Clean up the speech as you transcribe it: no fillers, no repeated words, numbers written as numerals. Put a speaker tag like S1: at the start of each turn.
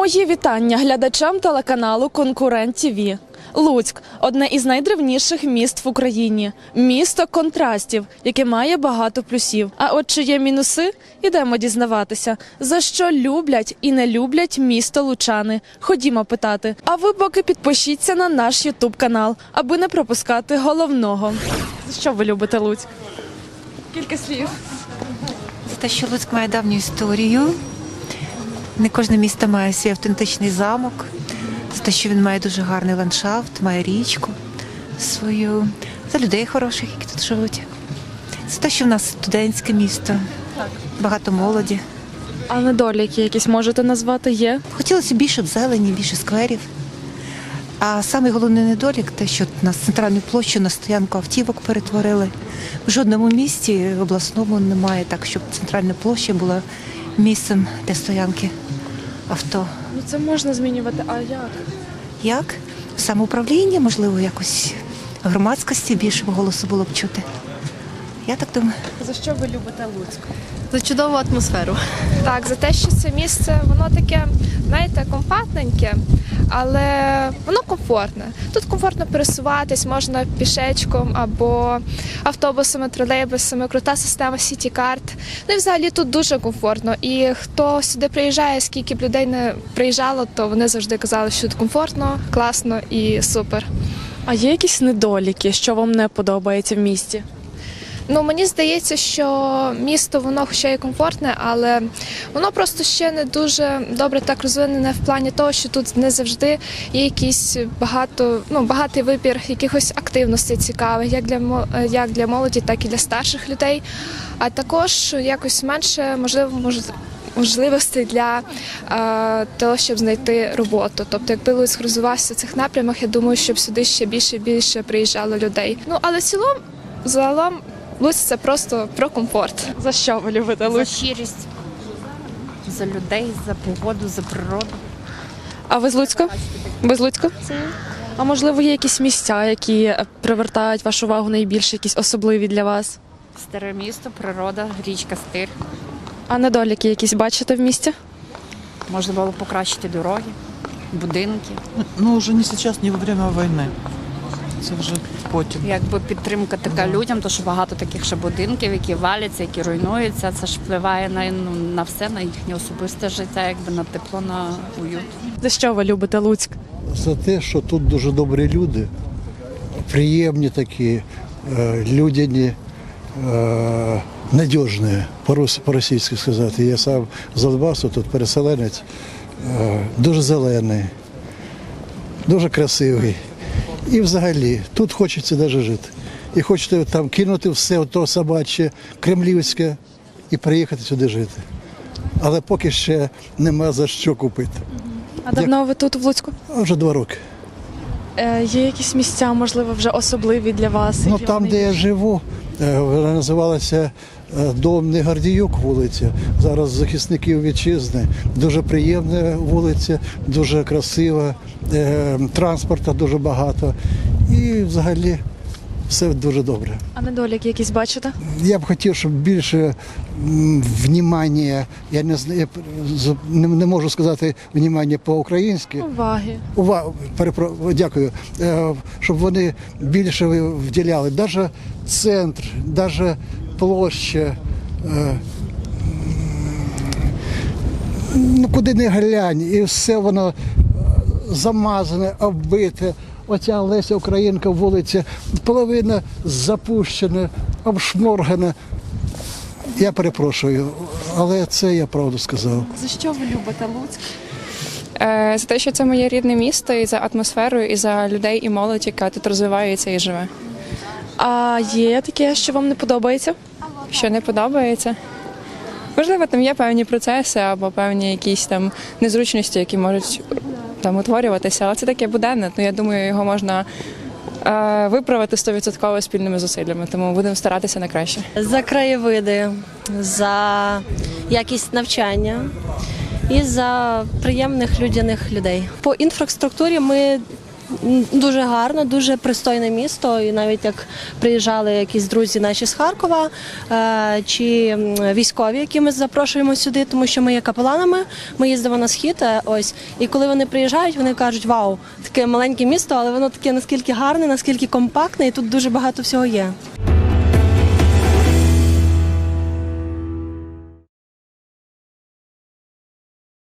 S1: Мої вітання глядачам телеканалу «Конкурент ТВ». Луцьк – одне із найдревніших міст в Україні. Місто контрастів, яке має багато плюсів. А от чи є мінуси? Ідемо дізнаватися, за що люблять і не люблять місто лучани. Ходімо питати. А ви поки підпишіться на наш ютуб-канал, аби не пропускати головного. За що ви любите Луцьк? Кілька слів.
S2: За те, що Луцьк має давню історію. Не кожне місто має свій автентичний замок. За те, що він має дуже гарний ландшафт, має річку свою. За людей хороших, які тут живуть. За те, що в нас студентське місто, багато молоді.
S1: А недоліки якісь можете назвати є?
S2: Хотілося більше зелені, більше скверів. А самий головний недолік – те, що нас центральну площу на стоянку автівок перетворили. В жодному місті обласному немає так, щоб центральна площа була місцем для стоянки авто.
S1: Ну це можна змінювати, а як?
S2: Як? Самоуправління, можливо, якось громадськості більшого голосу було б чути. Я так думаю.
S1: За що ви любите Луцьк?
S3: За чудову атмосферу.
S4: Так, за те, що це місце, воно таке, знаєте, компактненьке, але воно комфортне. Тут комфортно пересуватись, можна пішечком або автобусами, тролейбусами, крута система Сіті-карт. Ну і взагалі тут дуже комфортно. І хто сюди приїжджає, скільки б людей не приїжджало, то вони завжди казали, що тут комфортно, класно і супер.
S1: А є якісь недоліки, що вам не подобається в місті?
S4: Ну, мені здається, що місто, воно хоча й комфортне, але воно просто ще не дуже добре так розвинене в плані того, що тут не завжди є якийсь багатий вибір якихось активностей цікавих, як для молоді, так і для старших людей. А також якось менше, можливостей для того, щоб знайти роботу. Тобто, якби Луцьк розвивався в цих напрямах, я думаю, щоб сюди ще більше і більше приїжджало людей. Ну, але загалом, Луцьк – це просто про комфорт.
S1: За що ви любите Луцьк?
S3: За щирість, за людей, за погоду, за природу.
S1: А ви з Луцька? Ви з Луцька? А можливо, є якісь місця, які привертають вашу увагу найбільше, якісь особливі для вас?
S3: Старе місто, природа, річка Стир.
S1: А недоліки якісь бачите в місті?
S3: Можна було покращити дороги, будинки.
S5: Ну, уже не сейчас, не во время войны. Це вже потім.
S3: Якби підтримка така людям, то що багато таких ще будинків, які валяться, які руйнуються, це ж впливає на все, на їхнє особисте життя, якби на тепло, на уют.
S1: За що ви любите Луцьк?
S6: За те, що тут дуже добрі люди, приємні такі, людяні, надіжні, по-російськи сказати. Я сам з Донбасу, тут переселенець, дуже зелений, дуже красивий. І взагалі, тут хочеться навіть жити. І хочете там кинути все то собаче, кремлівське і приїхати сюди жити. Але поки ще нема за що купити.
S1: А давно ви тут в Луцьку?
S6: Вже 2 роки.
S1: Є якісь місця, можливо, вже особливі для вас?
S6: Ну
S1: які
S6: там,
S1: вам
S6: де я живу, вона називалася Дом Негардіюк вулиця. Зараз захисників вітчизни. Дуже приємна вулиця, дуже красива, транспорту дуже багато. І взагалі все дуже добре.
S1: А недоліки якісь бачите?
S6: Я б хотів, щоб більше внимання, я не можу сказати внимання по-українськи.
S1: Уваги.
S6: Дякую. Щоб вони більше вділяли. Навіть центр, навіть площа. Ну, куди не глянь, і все воно замазане, оббите. Оця Леся Українка вулиця, половина запущена, обшморгана. Я перепрошую, але це я правду сказав.
S1: За що ви любите Луцьк?
S7: За те, що це моє рідне місто, і за атмосферою, і за людей, і молодь, яка тут розвивається і живе.
S1: А є таке, що вам не подобається?
S7: Що не подобається? Можливо, там є певні процеси або певні якісь там незручності, які можуть там утворюватися, але це таке буденне, я думаю, його можна виправити 100% спільними зусиллями, тому будемо старатися на краще.
S8: За краєвиди, за якість навчання і за приємних людяних людей. По інфраструктурі ми Дуже гарно, дуже пристойне місто. І навіть як приїжджали якісь друзі наші з Харкова чи військові, які ми запрошуємо сюди, тому що ми є капеланами, ми їздимо на схід. Ось. І коли вони приїжджають, вони кажуть, вау, таке маленьке місто, але воно таке наскільки гарне, наскільки компактне, і тут дуже багато всього є.